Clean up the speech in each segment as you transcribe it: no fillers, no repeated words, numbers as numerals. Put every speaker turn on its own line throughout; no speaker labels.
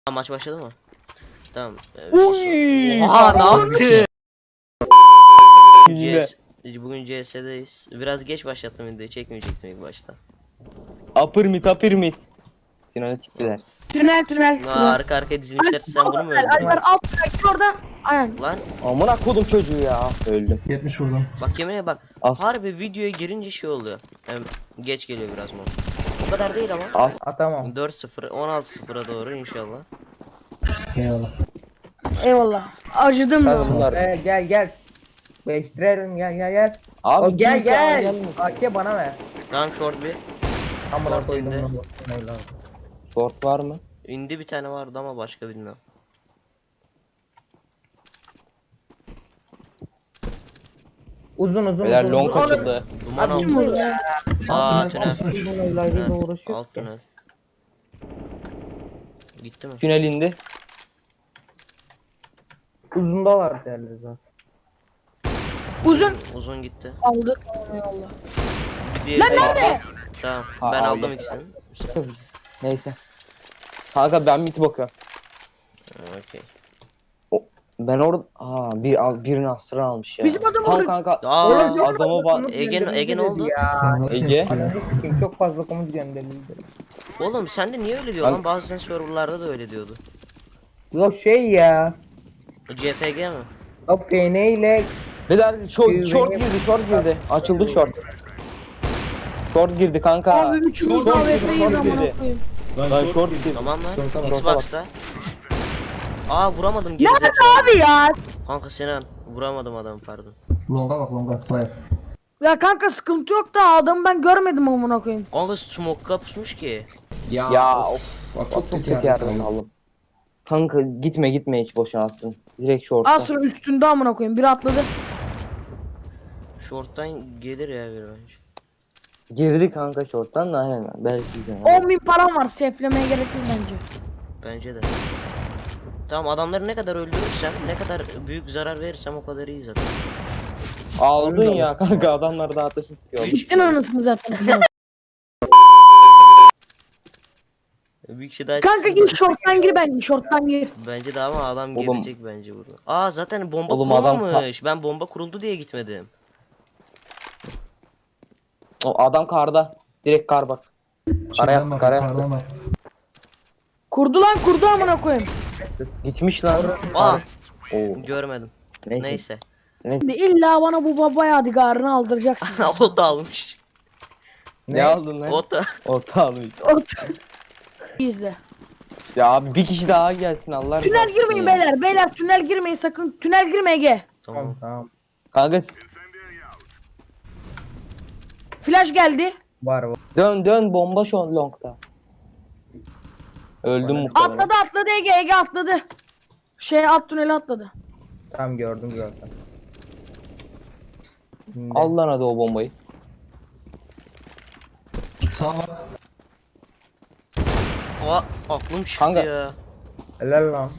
Maç başladı mı? Tamam.
Uy!
Oha ne yaptı?
Yine.
Bugün CS'deyiz. Biraz geç başlattım videoyu, çekmeyecektim ilk başta.
Upper mid. Sinan'ı siktiler.
Tünel.
Arka arkaya dizilmişler, sen bunu mu
Alper
öldürdün?
alt gir orada. Aynen.
Lan
Amına kodum çocuğu ya. Öldüm.
70 vurdum.
bak yemeğe bak.
As.
Harbi videoya girince şey oluyor. Yani geç geliyor biraz mı? O kadar değil ama.
As.
Atamam.
4-0, 16-0'a doğru inşallah.
Eyvallah.
Eyvallah. Acıdım da.
Bunlar.
Gel. Değiştirelim gel.
Abi
O gel
kimse
gel.
gelmiyor.
AK bana ver.
Tamam short bir.
Amına
Short
koydum
indi.
bunu. Eyvallah.
Short var mı?
İndi bir tane vardı ama başka bilmiyorum.
Uzun.
Beyler long açıldı.
Duman
Abi,
aldı.
Kim vurdu?
Aa tünel.
Tünel.
Alt tünel. Gitti mi?
Tünel indi.
Uzunda var derler zaten.
Uzun gitti.
Aldı. Eyvallah.
Bir diğeri de
nerede?
Tamam.
Ha,
Ben
aldım.
aldım ikisini.
Neyse. Kanka ben mid bakıyorum.
Okey.
Ben orada birini astıran almış ya.
Bizim adam
Tamam
orada-
kanka.
Aa,
Adamı var.
Ege ne oldu?
Ya.
Ege.
Ananı sikeyim, çok fazla komut gönderildi.
Oğlum sen de niye öyle diyorsun lan? Bazen serverlarda da öyle diyordu.
Yo şey ya.
O CFG mi?
O FN ile
Beyler short girdi. Açıldı short. Short girdi kanka.
Abi 3 vurdu
Short
AWP
girdi,
yedi
short
amına
girdi.
koyayım.
Lan short girdi.
Tamam lan.
Short'a bak.
Xbox'ta. Aa vuramadım
Nerede
gerizekalı.
abi ya?
Kanka Sinan vuramadım adamı pardon.
Longa bak longa sniper.
Ya kanka sıkıntı yok da adamı ben görmedim amına koyayım.
Kanka smoke'a pusmuş ki.
Ya of.
Bak
Çok kötü yerden aldım. Kanka gitme hiç boşuna alsın. Direkt short'a.
Az sonra üstünde amına koyayım. Biri atladı.
Short'tan gelir ya bir bence.
Girdi kanka short'tan da aynen. Belki de.
10.000 param var. Seflemeye gerek yok bence.
Bence de. Tamam adamları ne kadar öldürürsem, ne kadar büyük zarar verirsem o kadar iyi zaten.
Aldın ya kanka adamlar da ateşi sıkıyor.
Gittin anasını zaten.
Bir kişi daha
Kanka gir shorttan gir bence. Shorttan gir.
Bence de ama adam
Oğlum.
gelecek bence burada. Aa zaten bomba
Oğlum adam
kurulmamış. Ben bomba kuruldu diye gitmedim.
O adam karda. Direkt kar bak. Kara yaptı kara yaptı.
Kurdu amına koyayım.
Gitmiş lan.
Aa
Oo.
görmedim.
Neyse.
Neyse.
Şimdi illa bana bu baba yadigarını aldıracaksın.
O da almış.
Ne aldın lan?
O da.
Orta almış.
İzle.
Ya abi bir kişi daha gelsin Allah
Tünel girmeyin beyler. Beyler tünel girmeyin sakın. Tünel girme Ege.
Tamam.
Tamam.
Kanka
Flash geldi.
Var.
dön bomba şu an long'da. Öldüm muhtemelen.
Atladı Ege atladı. Alt tüneli atladı.
Tamam gördüm zaten. Şimdi.
Al lan hadi o bombayı.
Sağ var.
Aa aklım çıktı
Kanka.
ya.
Helal lan.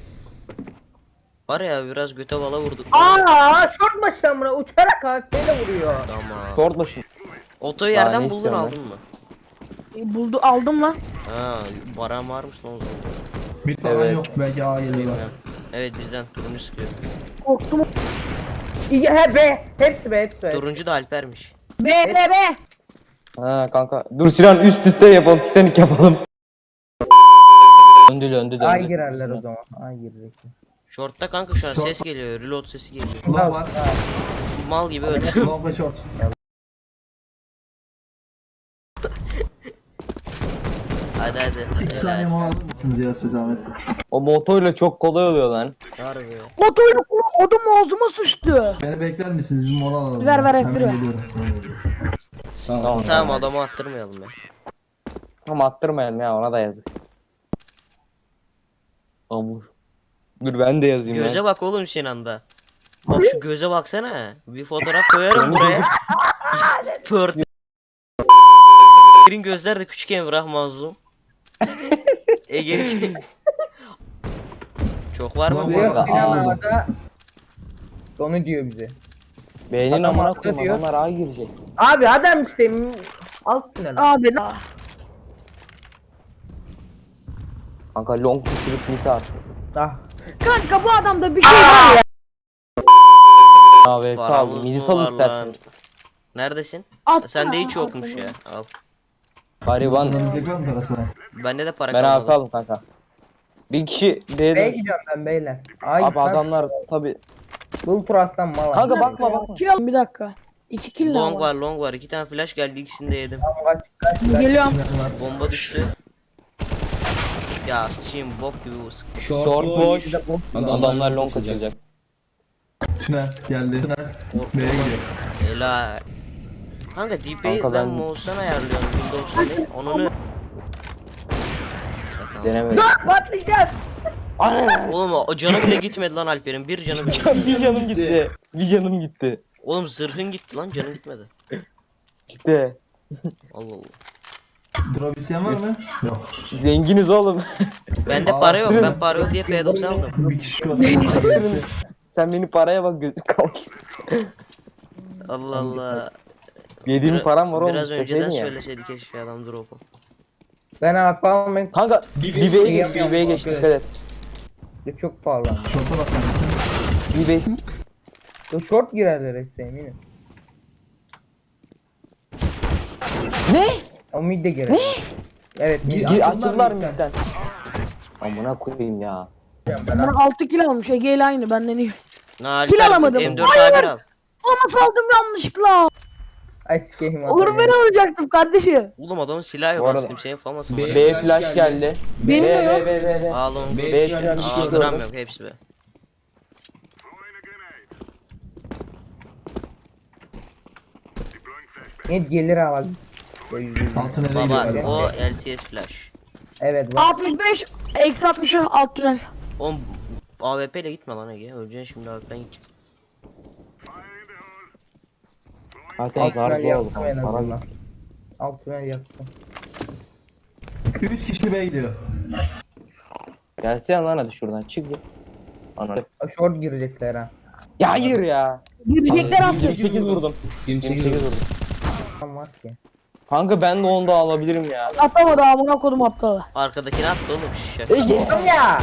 Var ya biraz göte bala vurduk.
Short başlamına uçarak AFP'yle vuruyor.
Tamam.
Short başı.
Otoyu
Daha
yerden
ne
buldun
istiyorsun
aldın mı?
Buldu aldım lan.
Ha, baran varmış lan o zaman.
Bir tane
Evet.
yok belki A geliyorlar.
Bilmiyorum. Evet bizden turuncu sıkıyor.
Korktum.
İyi he be. Hepsi be.
Turuncu da Alper'miş.
B.
Ha kanka. Dur Sinan üst üste yapalım. Titanik yapalım. Döndü.
Ay girerler o zaman. Ay girecek.
Short'ta kanka şu an
Short.
ses geliyor. Reload sesi geliyor.
Long var.
Mal gibi öldü.
Long ve short.
hadi.
2 saniye mola alır mısınız ya siz zahmet?
O motorla çok kolay oluyor lan.
Harbi.
Otoyla odum ağzıma sıçtı.
Beni bekler misiniz? Bir mola alalım.
Ver,
ya.
ver,
Hemen
F1 ver.
geliyorum.
Tamam adamı attırmayalım ya.
Ama attırmayalım ya ona da yazık. Amur. Dur ben de yazayım
Göze
lan.
bak oğlum Sinan'da. Bak şu göze baksana. Bir fotoğraf koyarım buraya. Pört. Ege'nin gözler de küçük Emrah mazlum. Ege'nin çok var mı?
Yok,
bir?
yok.
Yok
Aa,
Sinan'da onu diyor bize.
Beynin
Adam
amına
haklı
koyayım
diyor.
adamlar ağa girecek.
Abi adam işte alt tünel.
Abi.
Kanka long düşürüp mid at.
Ah.
Kanka bu adamda bir şey var ya.
Abi sal.
Paramız
Midi
mı
sal
var
istersen.
lan? Neredesin?
Atsana,
Sende hiç yokmuş
atsana.
ya. Al.
Gariban.
Dönecek var mı tarafına?
Bende de para
Ben
kalmadı.
atalım kanka. Bir kişi
B'ye
B'de.
gidiyorum ben beyler. Ay,
Abi adamlar tabi.
Bul aslan mal.
Kanka bakma bakma.
Kill al bir dakika. 2 kill daha
Long
var.
var, long var. 2 tane flash geldi, ikisini de yedim.
Geliyorum.
Bomba düştü. Ya sıçayım, bok gibi bu sık.
Short boş. Adamlar long
kaçacak.
kaçacak.
Tünel geldi. Tünel. B'ye gidiyor.
Helal. Kanka DP'yi
Kanka
ben
ben-
mouse'dan ayarlıyorum Windows'ta değil. Onu
Denemedim.
Patlayacağız.
Ana!
Oğlum o canı bile gitmedi lan Alper'in. Bir canı bile gitmedi.
Bir canım gitti. Bir canım gitti.
Oğlum zırhın gitti lan, canın gitmedi.
Gitti.
Allah Allah.
Drop isteyen var mı? Yok.
Zenginiz oğlum.
Bende para yok. Ben para yok diye P90 aldım.
Bir kişi var.
Sen beni paraya bak gözü kalk.
Allah Allah.
Yediğim param var oğlum.
Biraz önceden
çekseydin ya.
söyleseydi keşke adam drop'u.
Ben yapamam ben
Kanka
Bir
BB'ye
şey
geç,
yapıyorum,
BB'ye geç,
dikkat
dikkat et.
çok pahalı.
Şorta bak kardeşim.
BB.
Bu short girerler işte eminim.
Ne?
O mid de girer. Evet mid.
Gir
Açıldılar
açıldılar
midden.
midden. Amına koyayım ya.
Ben 6 kill almış. Ege ile aynı benden iyi.
Na
Kill
Alper
alamadım.
M4 A1 al.
Ama saldım yanlışlıkla.
Ay sikeyim.
Olur ben olacaktım kardeşim.
Oğlum adamın silahı yok
Bu arada-
aslında, senin famasın
B-
var.
B flash geldi.
Benim de yok.
B.
A long,
B-
B
şu an
şu an
bir
bir
A
şey
gram
gördüm.
yok, hepsi be.
Mid gelir ha bak.
Altı nereye
Baba
gidiyor?
o LCS flash.
Evet bak.
65 eksi 60 alt tünel.
Oğlum AWP ile gitme lan Ege. Öleceksin şimdi AWP'den gideceksin.
Zaten
Alt
zar
tünel
bu oldu.
yaptım en
Para
azından. Alt tünel yaptım.
3 kişi B'ye gidiyor.
Gelsene lan hadi şuradan çık git. Ana.
Short girecekler ha.
Ya hayır ya.
Girecekler aslında.
28 vurdum. 28 vurdum.
Tam var ki.
Kanka ben de onu da alabilirim ya.
Atamadı amına kodum aptalı.
Arkadakini attı oğlum şaka.
Ege.
Tamam ya.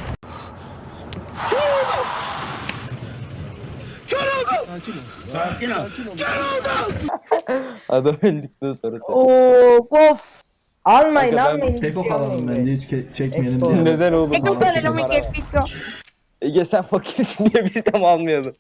Adam öldükten sonra.
Of of.
Almayın
Kanka ben
almayın.
Tek ok alalım ben de hiç çekmeyelim
Eko.
diye.
Neden oğlum?
Ege
Para
böyle
para
mi
var.
kepik yok.
Ege sen fakirsin diye biz de mi almıyorduk?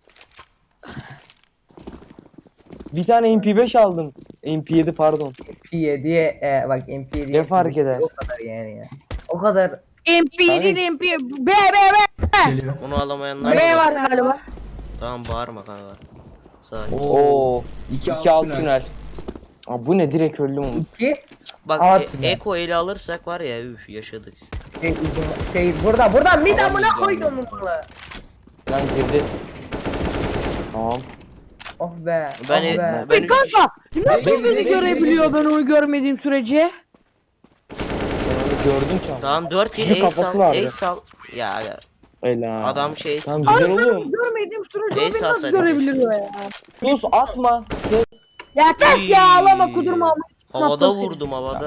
Bir tane MP5 aldım. MP7 pardon.
MP7'ye bak MP7'ye.
Ne fark eder?
O kadar yani ya. O kadar.
MP değil MP. B B
Geliyor.
Onu alamayanlar
B. B
var.
var galiba.
Tamam bağırma kanka. Sakin.
Oo.
İki
2
alt
alt
tünel.
tünel. Aa, bu ne direkt öldüm onu.
İki.
Bak
At ya.
Eko ele alırsak var ya üf yaşadık.
Burada mid amına koydum bunu.
Lan girdi. Tamam.
Oh be.
Ben-
oh be.
ben-
E kanka nasıl
Ben-
beni
ben-
görebiliyor ben onu görmediğim sürece?
Ben onu gördüm ki ama.
Tamam 4 kill
Şu
ace
kafası
sal,
vardı.
ace sal. Ya
Ela.
adam şey
Tamam
Hayır
güzel
ben
oğlum.
görmediğim sürece o
Neyse,
beni nasıl
alsaydı
görebiliyor ya?
Sus atma. Kes.
Ya kes ya ağlama kudurma ama.
havada
Yaptım seni.
vurdum havada.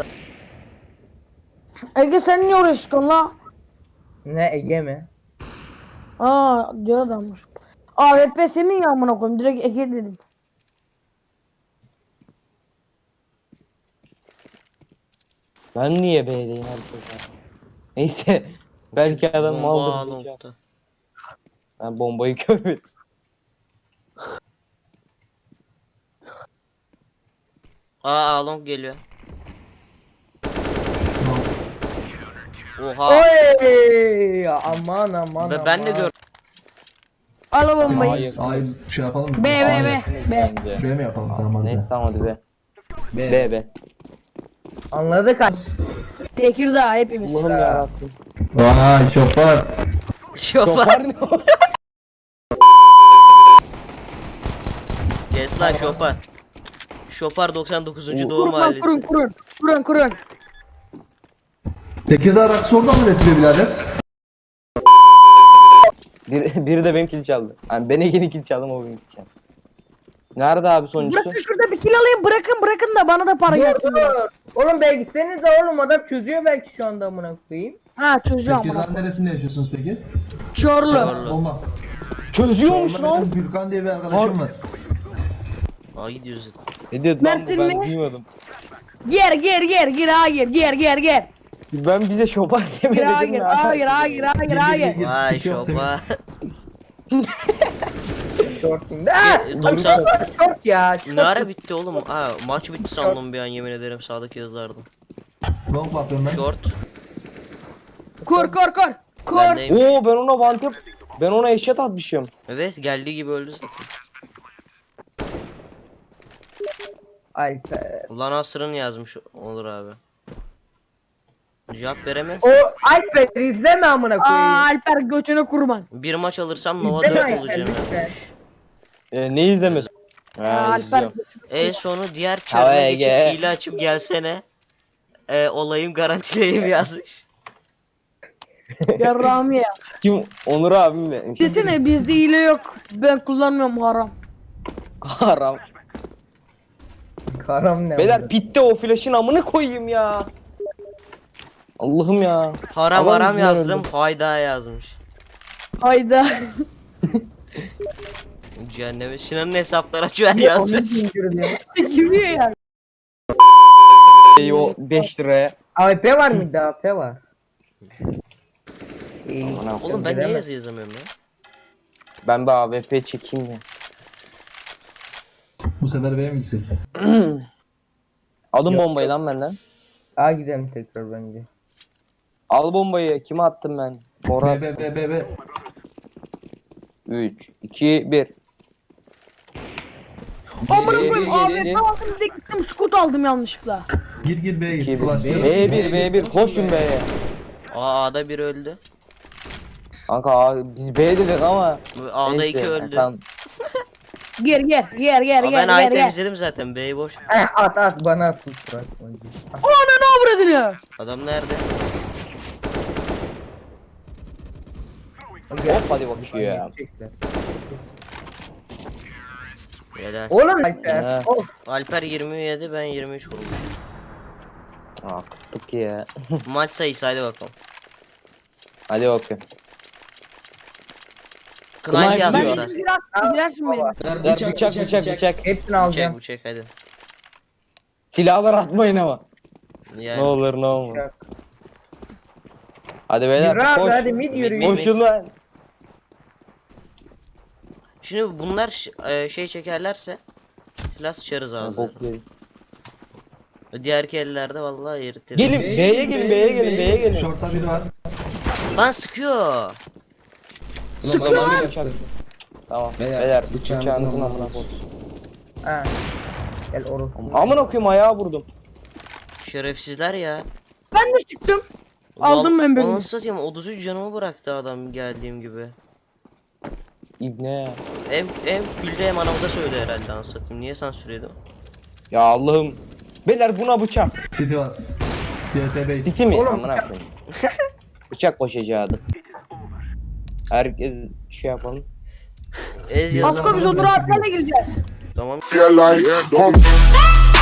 Ege sen niye oraya çıkıyorsun la?
Ne Ege mi?
Aa diyor adammış. AWP senin ya amına koyayım direkt Ege dedim.
Ben niye B'deyim herkese? Neyse. Belki adam
Bomba
maldır. diyeceğim.
long'da.
Ben bombayı görmedim.
Aa long geliyor. Oha.
Oy! Aman aman
Ve ben de
aman.
gördüm.
Al o bombayı.
Hayır.
Ay şey yapalım mı?
B B
Ay,
B. B.
Bence.
B mi yapalım tamam hadi.
Neyse tamam hadi be.
B.
B.
Anladık ha.
Tekirdağ hepimiz.
Allah'ım yarabbim.
Vay şoför.
Şoför.
Şoför ne o?
Kes lan şoför. Şoför 99. doğum
Kurun
mahallesi.
kurun.
Tekirdağ rakısı oradan mı üretiliyor birader?
Biri de benim kill çaldı. Yani ben Ege'nin kill çaldım o benim kill çaldı. Nerede abi sonuncusu?
Bırakın şurada bir kill alayım bırakın da bana da para gelsin.
Dur. Oğlum be gitsenize oğlum adam çözüyor belki şu anda amına koyayım.
Ha çözüyor
Peki
amına
lan
koyayım.
neresinde yaşıyorsunuz peki?
Çorlu.
Çorlu.
Bomba.
Çözüyormuş
Çorum'da
lan.
benim Gürkan diye bir arkadaşım var.
Aa gidiyoruz zaten.
Ne diyordu lan bu,
Mersin
ben
mi?
duymadım.
Gir ha gir.
Ben bize şoban
Gir
demedim
ha gir ha gir.
Vay
Çok
şopa.
Shorting'de. Aa!
90
Çok ya.
ne ara bitti oğlum? Ha maç bitti sandım bir an yemin ederim sağdaki yazılardı.
Bomba atıyorum ben.
Short.
Kur.
Bendeyim.
Oo ben ona vantep. Ben ona eşyat atmışım.
Evet geldiği gibi öldü zaten.
Alper.
Ulan Asrın yazmış olur abi. Cevap veremez.
O Alper izleme amına
Aa
koyayım.
Alper götüne kurban.
Bir maç alırsam Nova
İzleme
4
Alper
olacağım.
lütfen.
Ne izlemez?
Alper
izliyorum.
En sonu diğer
Havaya
çarına geçip
gel.
hile açıp gelsene. Olayım garantileyim yazmış.
yarrağımı ya.
Kim? Onur abim mi?
Desene bizde hile yok. Ben kullanmıyorum haram.
Haram.
Karam ne?
Beyler pitte o flash'ın amını koyayım ya. Allah'ım ya.
Haram
Adam
haram
yüzünden
yazdım.
öldüm.
Hayda yazmış.
Hayda.
Cehenneme Sinan'ın hesapları açıyor yazmış.
Gibi ya.
O 5 liraya.
AP var mıydı? AP var. İyi.
Aman
Oğlum ben niye yazı yazamıyorum ya?
Ben de AWP çekeyim ya.
Bu sefer benim gitsin.
Alın
Yok,
bombayı lan benden.
A gidelim tekrar bence.
Al bombayı. Kime attım ben? Morat.
B.
3, 2, 1.
Amına
Geri,
koyayım
geri.
AWP aldım bir de gittim scoot aldım yanlışlıkla.
Gir B'ye
2,
gir.
1.
Flash gir.
B1. Koşun B'ye.
A'da biri öldü.
Kanka biz B dedik ama.
A'da
neyse,
2 öldü.
Tamam.
Gir.
Aa, ben A'yı temizledim zaten. B'yi boş.
At bana at.
Ananı avradını.
Adam nerede?
Hop hadi bakıyor ya.
Helal.
Oğlum Alper.
He.
Of.
Alper 27 ben 23 vurmuş.
Aa kuttuk ya.
Maç sayısı hadi bakalım.
Hadi bakayım.
Knife
Knife
Ben
yazmışlar.
şimdi girersin benim.
Ver bıçak.
Hepsini alacağım.
Bu çek hadi.
Silahlar atmayın ama.
Yani.
Ne olur ne olmaz. Hadi beyler
Yürü abi
koş.
hadi mid yürü.
Mid.
Koşun lan.
Şimdi bunlar şey çekerlerse Flash sıçarız ağzına. Diğer ellerde vallahi eritiriz.
Gelin B'ye gelin.
Short'ta biri var.
Lan sıkıyor.
Sıkıyor lan. Tamam beyler bıçağınızın amına koyun.
Ha. Gel orası.
Amına koyayım ayağa vurdum.
Şerefsizler ya.
Ben de çıktım. Aldım ben bölümü.
Onu satayım 33 canımı bıraktı adam geldiğim gibi.
İbne.
Hem güldü hem anamıza söyledi herhalde anlatayım. Niye sansür yedim?
Ya Allah'ım. Beyler buna bıçak.
City var. CT base.
Siti mi?
Oğlum,
Amına koyayım. Bıçak başacaktı. Herkes şey yapalım.
Ez yazan.
Asko biz Onur abilerle gireceğiz.
Tamam.
Feel like, don't